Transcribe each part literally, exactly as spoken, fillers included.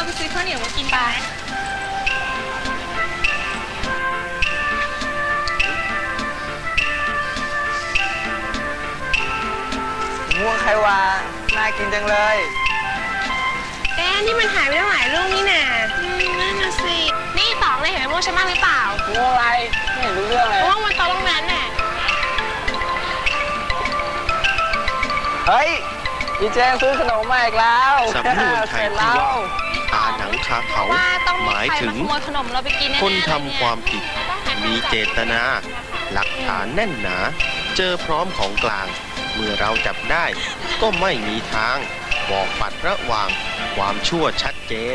เราไปซื้อข้าวเหนียวมากินไปม่วงไขวาน่ากินจังเลยแอ๊ะนี่มันหายไปตั้งหลายลูกนี่น่ะนั่นน่ะสินี่ต๋องเลยเห็นม่วงฉันบ้างหรือเปล่าม่วงอะไรไม่เห็นรู้เรื่องเลยม่วงมันโตตรงนั้นน่ะเฮ้ยพี่แจงซื้อขนมมาอีกแล้วสำนวนไทยที่ว่าตาหนังคาเขาหมายถึงคนทำความผิดมีเจตนา หลักฐานแน่นหนา เจอพร้อมของกลาง เมื่อเราจับได้ก็ไม่มีทางบอกปัดระหว่างความชั่วชัดเจน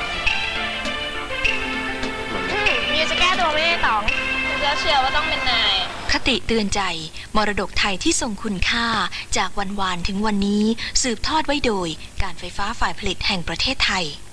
มีจะแก้ตัวไม่ได้ต๋องจะเชื่อว่าต้องเป็นนายคติเตือนใจมรดกไทยที่ทรงคุณค่าจากวันวานถึงวันนี้สืบทอดไว้โดยการไฟฟ้าฝ่ายผลิตแห่งประเทศไทย